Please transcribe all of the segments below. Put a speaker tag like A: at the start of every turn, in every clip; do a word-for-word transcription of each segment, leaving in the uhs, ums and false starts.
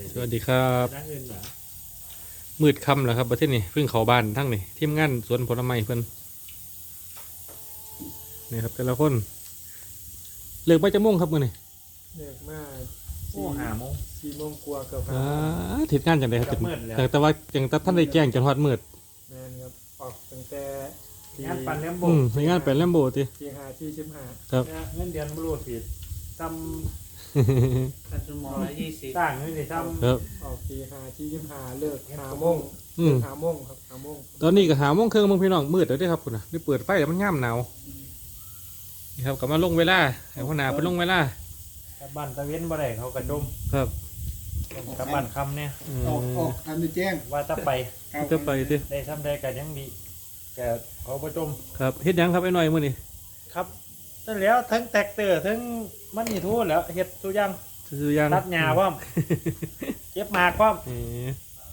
A: สวัสดีครับมืดค่ำแล้วครับประเทศนี้เพิ่งเข้าบ้านทั้งนี่ทีมงานสวนผลไม้เพิ่นนี่ครับแต่ละคนเลิกไปจะมุ่งครับมื้อนี้
B: เลิกมา
C: โอ้ห้าโมง
B: สี่โมงกว่าเกือบ
A: อ่า
B: ห้าโมง
A: ทิศงานจังไดครับ
C: กับมืดแล้ว
A: แต่แต่ว่าจังแต่ท่านได้แจ้งจนฮอดมืด
B: แมนครับออกตั้งแต่
C: งานปั่นเลี้ยงโบ
A: อืมในงานเป็นแลมโบติ
B: ตีห้าที่สิบห้า
A: ครับ
C: เงินเดือนบรูผิดท
D: ตัดชั่วโมงละยี่สิบ
C: ำต่างนี่สิท
A: ครับ
B: ออกตีห้าที่สิบห้าเลิกห้าโมง
A: อืม
B: ห้าโมงครับห้าโมง
A: ตอนนี้ก็หาโมงครึ่งมึงพี่น้องมืดแล้วเด้อครับคุณน่ะได้เปิดไฟแล้วมันง่ามหนาวนี่ครับก็มาลงเวลาให้หัวหน้าไปลงเวลา
C: ำกับบ้านตะเวนบ่ได้เขากระดม
A: ครับ
C: กับบ้านคำเนี่ย
A: อืม
D: ออกออกทันได้แจ้ง
C: ว่าถ้าไป
A: จะไปติ
C: ได้ทำได้กันยังดีแกเขาประจม
A: ครับเฮ็ดหยังครับไอ้หน่อยมื้อนี้
C: ครับนั่นแล้วทั้งแตกเตอร์ทั้งมันนี่ทู่แล้วเฮ็ดทุกอย่าง
A: ซื้อยัง
C: ตัดหญ้าพร้อมเก็บหมากพร้อม
A: เออ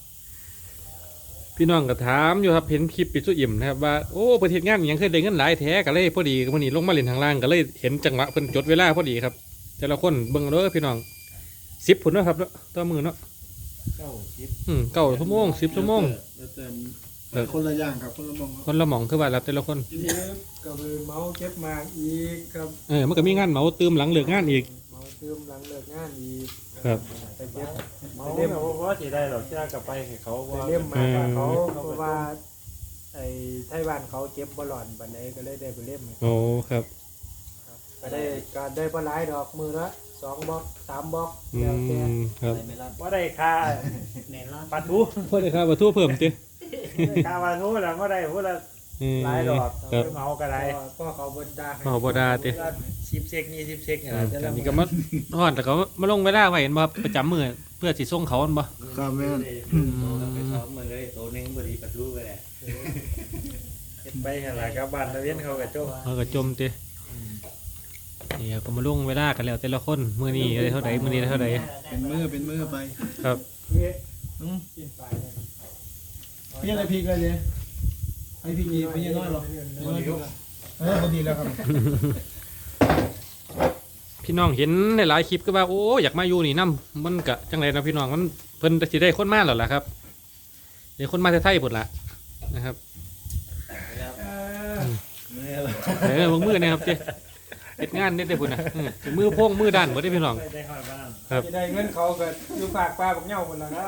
A: พี่น้องก็ถามอยู่ครับเห็นคลิปปิดสุอิ่มนะครับว่าโอ้ประเทศงานอิหยังเคยได้เงินหลายแท้ก็เลยพอดีวันนี้ลงมาเล่นทางล่างก็เลยเห็นจังหวะเพิ่นจดเวลาพอดีครับ แต่ละคนเบิ่งเด้อพี่น้องสิบผุนเนาะครับเนาะต่อมือเนาะ
C: เก้าสิบ
A: อืมเก้าชั่วโมงสิบชั่วโมง
D: แล้วแต่คนละอย่างครับคนละมอง
A: คนละหม่องคือว่ารับแต่ละคน
B: เลิกก็ไปเมาเก็บหมากอีกครับ
A: เออมันก็มีงานเหมาตืมหลังเลิกงานอีก
B: เมาเติมหลังเลิกงานอีก
A: ครับ
B: ไปเก็บ
C: เมา
B: ไป
C: เล่
B: เล่
C: ม
B: ม
C: ว่าสิได้หรอกเชื่อกับไปให้เขา
B: ไป
C: ว่า
B: เล่มมากับเขา
A: เออ
B: เพราะว่าไอ้ไทยบ้านเขาเก็บบอลลอนบันไดก็เลยได้ไปเล่มให้
A: โอ้ครับ
B: ครับก็ได้ก็ได้ปลาไหลายดอกมือละสองบล็อกสามบล็อก
A: อื
B: แล้วแต่
A: มครับ
D: ไม่รับ
C: ว่าได้ค่า
D: เน้นละ
C: ปลาทู
A: พอได้ครับว่าทั่วเพิ่มติ
C: ค่าปลาทูแล้วว่าได้พูดละ
A: อืม
C: หลายดอก
A: ครับ
C: ไปเมาก็ได้
B: ก็ก็เขาบนดาให้
A: เมาบ่ดาติ
C: ชิปเช็คนี่ชิปเช็คเนี่ย
A: อืมอันนี้ก็มาฮอดแต่ก็มาลงเวลาไว้เห็นบ่ครับประจำมื้อเพื่อสิส่งเขาอันบ่
D: ครับแม่น
E: ไปซ้อมมาเลยตัวหนึงบริประตูไปแหละ
C: เฮ็ดไปอะไรกับบ้านตะเวียนเขากระโจม
A: เขาก็จมตินี่ครับก็มาลงเวลากันแล้วแต่ละคนมื้อนี้ได้เท่าใดมื้อนี้ได้เท่าใด
D: เป็นมือเป็นมือไป
A: ครับ
B: เฮ้ย
D: อืม
B: กินไปเนี่ย
D: พี่อะไรพี่กันเลยไอพี่กีพี่น้อยหรอน้อยเออพอดีแล้วครับ
A: พี่น้องเห็นในหลายคลิปก็ว่าโอ้อยากมาอยู่นี่นํมันก็จังไดนะพี่น้องมันเพิ่นสิได้คนมาแล้วล่ะครับได้คนมาแต่ไทยพุ่นล่ะนะครับ
B: เออ
A: เออมือมือเนะครับเจ้เฮ็ดงานเน็ดได้พุ่นน่ะอืมมือโพงมือด้านบ่ได้พี่น้อง
C: ไปได้ค่อยบ้าง
A: ครับ
B: จะได้เงินเขาก็อยู่ฝากปลาบักเหย้าหมดแล้วครับ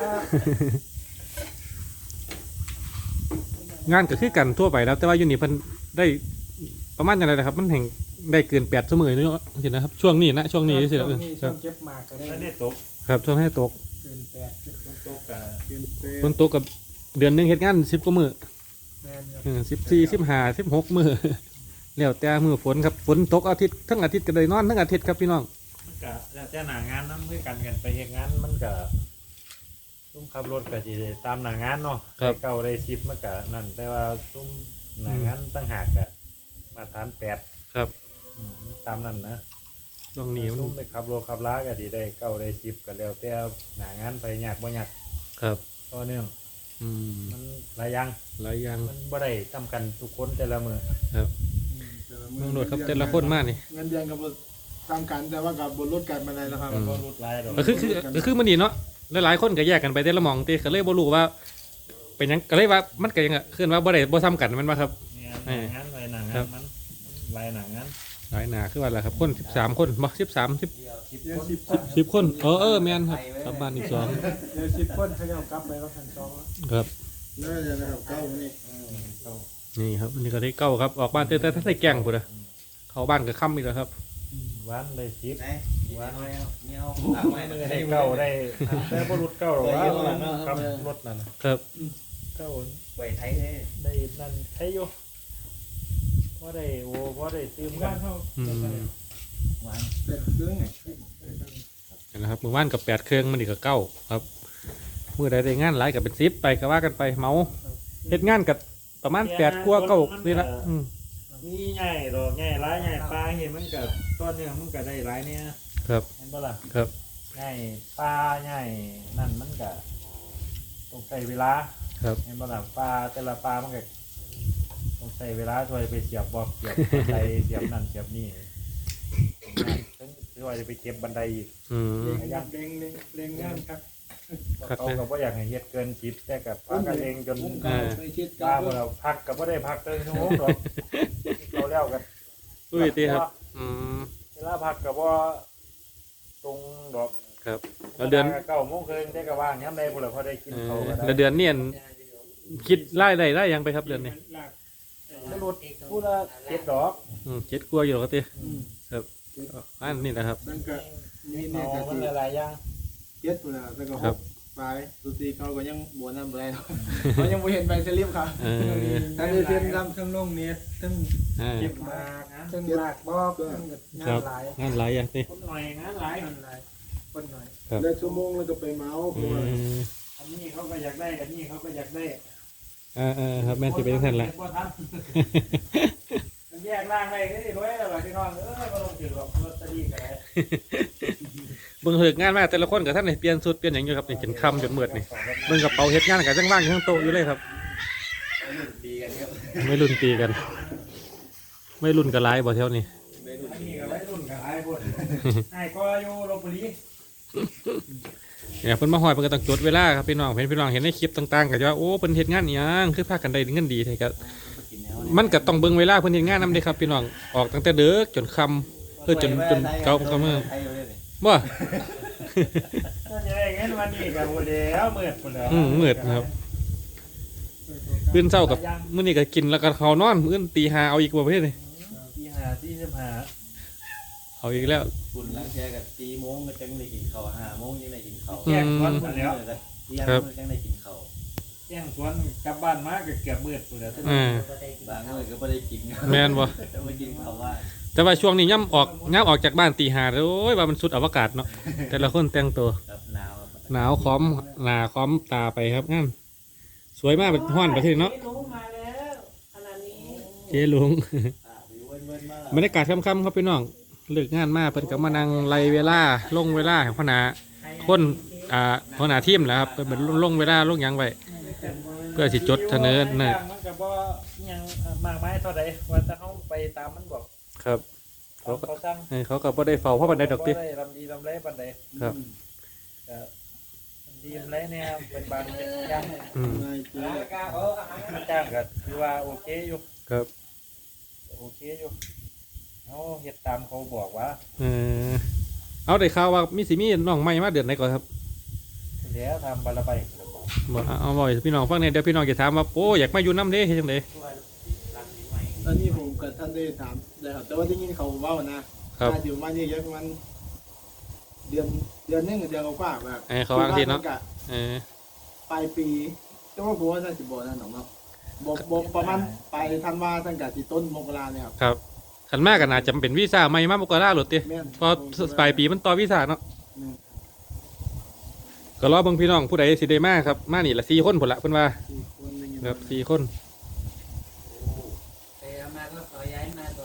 A: งานก็คือกันทั่วไปแล้ว แต่ว่าอยู่นี่เพิ่นได้ประมาณจังไดนะครับ มันแห่งได้เกินแปดชั่วโมงเนาะเห็นนะครับช่วงนี้นะช่วงนี้สิ
B: ช่
A: ครับ
B: วงนี้
A: ค
B: ช่
A: รั
B: ว
A: บ
B: งเก็บหมากก็ได้
C: แล้วได้ตก
A: ครับช่วงให้ตก
B: เกินแปด
C: ต้องตกกับ
D: กินเป็
A: ฝนตกกับเดือนหนึงเฮ็ดงานสิบกว่ามื้อ
B: แมนครับ
A: เออสิบสี่ สิบห้า สิบหกมื้อแล้วแต่มื้อฝนครับฝนตกอาทิตย์ทั้งอาทิตย์ก็ได้นอนทั้งอาทิตย์ครับพี่น้อง
C: มันก็แล้วแต่หน้างานนำคือกันกันไปเฮ็ดงานมันก็ซุ่มขับรถก็สิได้ตามหน้างานเนาะได้เก้าได้สิบมันก็นั่นแต่ว่าซุ่มหน้างานต่างหากก็มาตรฐานแปด
A: ครับ
C: อืมตามนั้นนะ
A: ช่วงนี้มัน
C: ซุ่มไปขับรถขับลาก็สิได้เก้าได้สิบก็แล้วแต่หน้างานไปยากบ่ยาก
A: ครับ
C: ต่อเนื่อง
A: อืม
C: มันหลายอย่าง
A: หลายอย่าง
C: มันบ่ได้ทำกันทุกคนแต่ละมือ
A: ครับเมืองโดดครับแต่ละคนมากนี่
D: เงินเดือนกับบตามกันแต่ว่ากับบนรถกันมาได้แล้วครับ
C: มันก็รุดหลายดอก
A: ก็คือคือก็คือมันนี่เนาะหลายๆคนก็แยกกันไปแต่ละหมองติก็เลยบ่รู้ว่า เป็นหยังก็เลยว่ามันก็ยังอะคือว่าบ่ได้บ่ซ้ำกันแมันว่าครับ
C: เนี่ยหน้างานหลายหน้างานมันหลายหน้างาน
A: หลายหนาคือว่าอะไรครับคนสิบสามคนบ่สิบสามสิบ
C: สิบ
B: เดี๋ยว
C: คน
B: สิบ
A: สิบคนเออเออแม่นครับกลับบ้านอีกสอง
B: เดี๋ยวสิบคนเขาจะเอากลับไปว่าพันสองแล้ว
A: ครับ
D: น่าจะนะครับเก้านี่
C: เข้า
A: นี่ครับอันนี้ก็ได้เก้าครับออกบ้านแต่แต่ถ้าใส่แกงพุ่นน่ะเข้าบ้านก็ค่ำอีกแล้วครับ
C: วันได้สิบ
E: ไหนว่าน้อยเอาเนี่ยเอา
C: มือได้เก้าได้ได้บ่รุดเก้าหรอกว่าครับรถนั่นน่ะ
A: ครับ
C: เก้า
E: ไหวไทยเลย
C: ได้นั่นใช้อยู่ว่าได้โอ้ว่าได้ซื้อกั
B: บ้าน นเท่า
A: อืม
E: หวาน
D: เป็นเครื่องไง
A: เห็นนะครับมือว่านกับแปดเครื่องมันอีกกับเก้าครับมือใดได้งานหลายกับเป็นสิบไปก็ว่ากันไปเมาเฮ็ดงานกับประมาณแปดกว่าเก้านี่ละอืม
C: มีใหญ่ดอกใหญ่หลายใหญ่ปลาเห็นมันก็ต้นเนี่ยมันก็ได้หลายเนี่ย
A: ครับ
C: เห็นบ่ล่ะ
A: ครับ
C: ใหญ่ปลาใหญ่นั่นมันก็ต้องใช้เวลา
A: ครับ
C: เห็นบ่ล่ะปลาแต่ละปลามันก็ต้องใช้เวลาช่วยไปเสียบบอกเสียบบันไดเสียบนั่นเสียบนี่ถึงช่วยจะไปเก็บบันไดอีก
A: อืม
B: เล็งเล็งเล็งเล็งงานครับ
A: ครับ
C: เขาก็บ่อยากให้เฮ็ดเกินสิบแต่กับพักกันเองจน
D: ผมก็ไปคิดกั
C: ว่าน บ่เราพักก็บ่ได้พักเกินชั่วโมงดอกเขาแล้วกัน
A: อุ้ยตีครับอืม
C: เวลาพักก็บ่ตรงดอก
A: ครับแล้วเดือน
C: เก้าโมงครึ่งได้ก็ว่างยามใดพุ่นล่ะพอได้กิน
A: เอ
C: ข้าว
A: อ
C: ก็ได้
A: แล้วเดือนเนี่ยคิดไล่ได้ได้ยังไปครับเดือนนี้
C: มนุษย์ผู้ละเจ็ดดอก
A: อืมเจ็ดกลัวาอยู่หรอกตี
D: อืม
A: ครับอันนี้นะครับ
D: นั่นก็มี
C: เ
D: เนี่ยก็
C: อามัน
D: สิ
C: หลายๆอย่าง
D: เจ็ดพุ่นน่ะแล้วก็ห
A: ครับ
D: กไปสุดทีเขาก็ยังบ่นำบ่ได้หรอกเขายังบ่เห็นใบสลิปครับ
A: เออ
D: ถ้าได้เซ็นนำ
B: ทั้งลงเน็ตทั้ง
A: อ่า
B: เก็บมาทั้งลากบอกทั้งงานหลาย
A: งานหลายอย่างตี
C: คนหน่อยงานหลาย
B: งานหลายคนหน่อย
A: ครับ
D: เลิกชั่วโมงแล้วก็ไปเมาส์เพ
A: อื
D: ราะว่าม
C: อันนี้เขาก็อยากได้อันนี้เขาก็อยากได้
A: อ่าอ่าครับแม่นสิเป็นท่านละ
C: บ่ทันมันแยกร่างได้ก็ได้ด้วยแล้วล่ะพี่น้องเออบ่ต้องถือหรอกลอตเตอรี่ก็ได้
A: เบิ่งเหิกงานมาแต่ละคนกับท่านนี่เปลี่ยนสุดเปลี่ยนอย่างอยู่ครับนี่จนคำจนมืดนี่เบิ่งกระเป๋าเฮ็ดงานกับจังว่างอยู่ข้างโต๊ะอยู่เลยครับ
E: ดีกันครับ
A: ไม่รุ่นตีกัน ไม่รุ่นกับไลายบ่เท่านี้
E: ไม่รู้
C: อันนี้ก็ไว้รุ่นกับไอ้พุ่นไอ้ก็อยู่ลพบุรี
A: เนี่ยเพิ่นมาหอยเพิ่นก็ต้องจดเวลาครับพี่น้องเห็นพี่น้องเห็นในคลิปต่างๆก็จะว่าโอ้เพิ่นเฮ็ดงานอิหยังคือพากันได้เงินดีแท้ก็
E: กินแล้ว
A: มันก็ต้องเบิ่งเวลาเพิ่นเฮ็ดงานนำเด้ครับพี่น้องออกตั้งแต่เด็กจนค่ำเออจนจนเก่าก็มื้อบ่
C: ถ้าจะได้เงินวันนี้ก็บ่แล้วมืดพุ่นแล้ว
A: อืมมืดนะครับตื่นเช้ากับมื้อนี้ก็กินแล้วก็เข้านอนมื้ออื่นตีห้าเอาอีกบ่ประเภทนี้
C: ที่หาที่สิบห้า
A: เอาอีกแล้ว
E: คุณล้างแช่กับสี่โมงก็จังได้กินข้าวห้าโมงยังได้กินข้าว
C: แจ้งสวนพุ่นแล้ว
E: เที่ยงจังได้กินข้าว
C: แจ้งสวนกลับบ้านมาก็เกือบมืดพุ่นแล้ว
A: อ่า
E: บางมื้อก็บ่ได้กิน
A: แม่นบ่
E: มากินข้าวว่า
A: แต่ว่าช่วงนี้ย่ำออกย่ำออกจากบ้านตีห้าโอ้ยว่ามันสุดอวกาศเนาะแต่ละคนแต่งตัว
E: ครับหนาว
A: หนาวค้อมหนาค้อมตาไปครับงั้นสวยมากเป็นห้อนประเทศเนาะ
B: ลุงมาแล้วขนาดนี้
A: เจ๊ลุง
E: อ่าวิวเว้นๆมา
A: บรรยากาศค่ำๆครับพี่น้องเลิกงานมาเพิ่นก็มานั่งไล่เวลาลงเวลาของคณะคนอ่าหัวหน้าทีมนะครับเพิ่นเป็นลงเวลาลงหยังไว้เพื่อสิจดเสนอน่ะ
C: มันก็บ่ยังมากมายเท่าใดว่าแต่เฮาไปตามมันบอก
A: ครับ
C: เขาเขาสั่ง
A: ให้เขาก็บ่ได้เฝ้าเพราะบันไดดอกติ
C: บ่ได้ลำดีลำไรปานใด
A: ครับ
C: ก็ลำดีลำไรเนี่ยเป็นบางอย่าง
A: อืม
D: นายเจ๊
C: จ้างก็คือว่าโอเคอยู่
A: ครับ
C: โอเคอยู่เอาเฮ็ดตามเขาบอกว่า
A: เออเอาได้ข่าวว่ามีสิมีน้องใหม่มาเดือนไหนก่อนครับ
C: แล้วทำบาละไป
A: บ่เอาเอาบ่อยพี่น้องฟังเนี่ยเดี๋ยวพี่น้องจะถามว่าโอ้อยากมาอยู่น้ำเด้เฮ็ดจังได
D: อันนี้ผมกับท่านได้ถามได้ครับแต่ว่าได้ยินเขาเว่านะครับ ถ้าอยู่มานี่เยอะประมาณเดือนเดือนหนึงกับเดือนกว่าๆแบบ
A: เออเขาวางทีเนาะ
D: กะ
A: เออ
D: ปลายปีแต่ว่าผมว่าท่านสิบ่นั่นหรอกเนาะบ่บ่ประมาณปลายธันวาท่านกะสิต้นมกราเนี่ยครับ
A: ครับขันมากกันอาจจะเป็นวีซ่าใหม่มามกราหรือติ
D: แม่น
A: พอปลายปีมันต่อวีซ่าเนาะ
D: อืม
A: ก็รอเบิ่งพี่น้องผู้ใดสิได้มาครับมานี่ละสี่คนพุ่นละเพิ่นว่า
D: สี่คนได้ยิน
A: ครับสี่คน
E: ไปเอามาก็ขอย้ายมาก่อน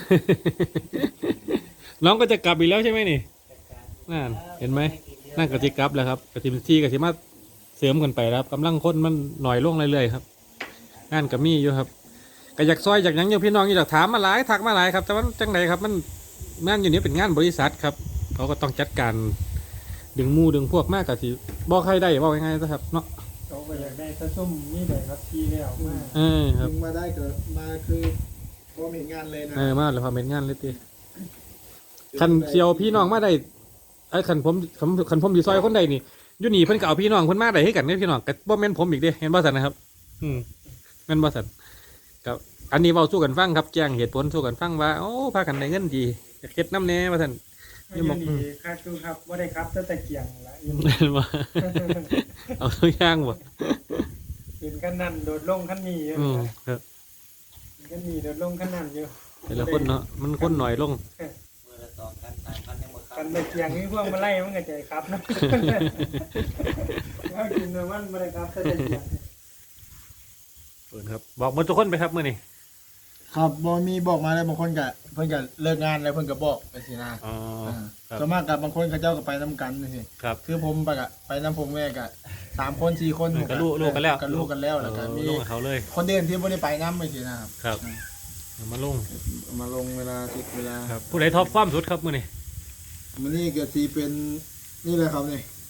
A: น้องก็จะกลับอีกแล้วใช่ไหมนี่นั่นเห็นไหมนั่นก็จะกลับแล้วครับกสิมที่กสิมาเสริมกันไปแล้วครับกำลังคนมันหน่อยลงเรื่อยๆครับงานก็มีอยู่ครับก็อยากซอยอยากหยังอยู่พี่น้องอยากถามมาหลายทักมาหลายครับแต่ว่าจังไดครับมันงานอยู่นี้เป็นงานบริษัทครับเขาก็ต้องจัดการดึงหมูดึงพวกมากกับสิบอกใครได้บอกยังไงนะครับเนาะ
B: เขาก็อยากได้ถ้าส้มนี่เลยครับที่แล้วมา
A: เออครับ
D: ถึงมาได้ก็มาคือพร้อมเห็นงานเลยนะ
A: เออมาเลยพอเป็นงานเลยตีคันเซียวพี่น้องมาได้ไอ้คันผมคันคันผมดีซอยคนใดนี่อยูนี่เพิ่นก็เอาพี่น้องเพิ่นมาได้ให้กันเนี่ยพี่น้องกับบ่แม่นผมอีกเด้เห็นบ่สันนะครับ อืมแม่นบ่สันกับอันนี้เว้าสู้กันฟังครับแจ้งเหตุผลสู้กันฟังว่าโอ้พากันได้เงินดีอยากเฮ็ดน้ำแน่ว่าซั่น
B: ไม่ยังดีค่าตู้ครับว่าได้ครับตั้งแต่เกียงละยัง
A: แม่นบ่เอาตัวอย่างบ่
B: เป็นขั้นนั้นโดดลงขั้นนี้อยู่
A: อืมครับ
B: ขั้นนี้โดดลงขั้นนั้นอยู่
A: แต่ละคนเนาะมันคนหน่อยลง
E: เมื่อละสองกันสามพันยังบ่เข้า
B: กันตะเกียงนี่พวกมาไล่มันก็ใจครับนะถ้ากินเนื้อมันมาเลยครับตั้งแต่เกียง
A: เพิ่นครับบอกหมดทุกคนไปครับมื้อนี้
D: ครับบ่มีบอกมาแล้วบางคนก็เพิ่นก็เลิกงานแล้วเพิ่นก็บอกไปสินะ
A: อ๋อ
D: อ่า
A: ครับ
D: ส่วนมากกับบางคนเขาเจ้าก็ไปนํกันนี่สิ
A: ครับ
D: คือผมไปกะไปน้ำผมแม่กะสามคนสี่คน
A: ก็ลูกลูกกันแล้ว
D: ก็ลูกกันแล้วแล้วก็มี
A: ลูกกับเขาเลย
D: คนเดินที่ไม่ได้ไปน้ำไม่สินะครับ
A: ครับเอามาลง
D: มาลงเวลาติดเวลา
A: ครับผู้ใดท็อปฟอร์มสุดครับมื้อนี้
D: มันนี่ก็สีเป็นนี่เลยครับนี่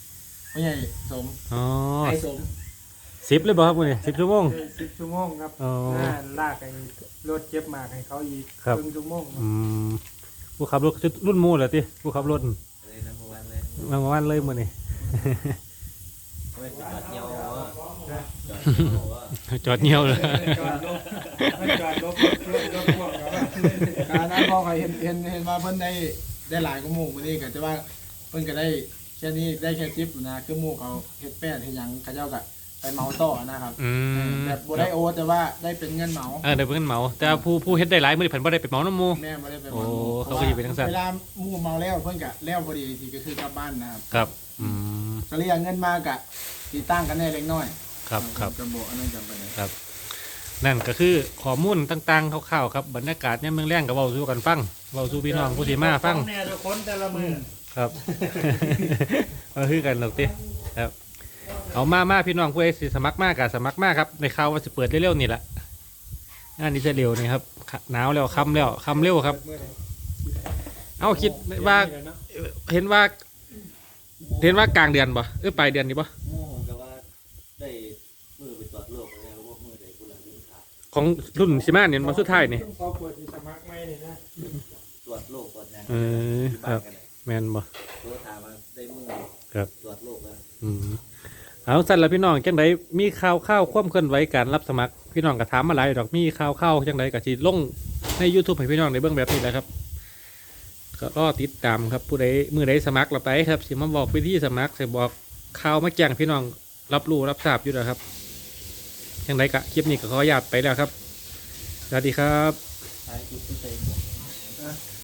D: ไม่ใช่สม
A: อ๋อ
D: ไอ้สม
A: สิบเลยบ่ครับมื้อนี้สิบชั่วโมง
B: สิบชั่วโมงครับ
A: อ๋อ
B: น่าลากไอ้รถเจ็บมากให้เขาอีก
A: ครับ
B: ครึ่งชั่วโมง
A: อืมผู้ขับรถรุ่นหมู่เหรอติผู้ขับรถ
E: เลยนะเมื่อวานเลย
A: มาเมื่อวานเลยมื้อนี้
E: ไม่จอดเยี่ยวว่าจอดเยี่ยวว่า
A: จอดเหี่ยวเลย
B: จอดรถไม่จอดรถรถรถพ่วงครับ
D: การนั้นพอเขาเห็นเห็นเห็นว่าเพิ่นได้ได้หลายกว่าหมู่มื้อนี้ก็จะว่าเพิ่นก็ได้แค่นี้ได้แค่สิบนะคือหมู่เขาเฮ็ดแป้นเฮ็ดหยังเขาเจ้าก็ไปเหมาต่อนะครับ
A: อืม
D: แบบบ่ได้โอแต่ว่าได้เป็นเงินเหมา
A: เออได้เป็นเงินเหมาแต่ว่าผู้ผู้เฮ็ดได้หลายมื้อนี้เพิ่นบ่ได้ไปเหมาน้ำหมู่
D: แม่บ่ได้ไป
A: โอ้
D: เหมา
A: เขาก็สิเป็นจังซั่น
D: เวลาหมู่เมาแล้วเพิ่นก็แล้วพอดีที่ก็คือกลับบ้านนะครับ
A: ครับอืม
D: ก็เรียกเงินมากะสิตั้งกันแน่เล็กน้อย
A: ครับครับ
D: จะบอกอันนั้นจำไปเลย
A: นั่นก็คือข้อมูลต่างๆคร่าวๆครับบรรยากาศเนี่ยามเมืองแรงก็เว้าสู่กันฟังเว้าสู่พี่น้องผู้ที่มาฟัง
C: แน่ทุกคนแต่ละมือ
A: ครับ เอาคือกันหรอกติครับ เอามามาพี่น้องผู้ใดสิสมัครมากกสมัครมากครับในข่าวว่าสิเปิดเร็วๆนี่แหละงานนี้จะเร็วนี่ครับหนาวแล้วค่ำแล้วค่ำเร็วครับ เอาคิดว่าเห็นว่า เห็นว่ากลางเดือนบ่เออปลายเดือนนี่บ่
E: โม่ก็ว่าได้มือไปตรวจโรคแล้วพวกมือได้กูหลังยืนขา
A: ของรุ่นสิมาเนี่ยมาสุดท้ายนี่
B: พอเปิดที่สมัครไม่เลยนะ
E: ตรวจโรคก่อนยัง
A: เออครับ แมนบ่
E: ตัวถามว่าได้มือ
A: ครับ
E: ตรวจโรคแล้ว
A: อืมเอาสั่นละพี่น้องจังไดมีข่าวข่าวความเคลื่อนไหวการรับสมัครพี่น้องก็ถามมาหลายดอกมีข่าวข่าวจังไดก็สิลงใน YouTube ให้พี่น้องได้เบิ่งแบบนี้แหละครับ ก็รอติดตามครับผู้ใดมือใดสมัครเราไปครับสิมาบอกวิธีสมัครสิบอกข่าวมาแจ้งพี่น้องรับรู้รับทราบอยู่แล้วครับจังไดกะคลิปนี้ก็ขออนุญาตไปแล้วครับสวัสดีครับ
E: ท้ายคลิป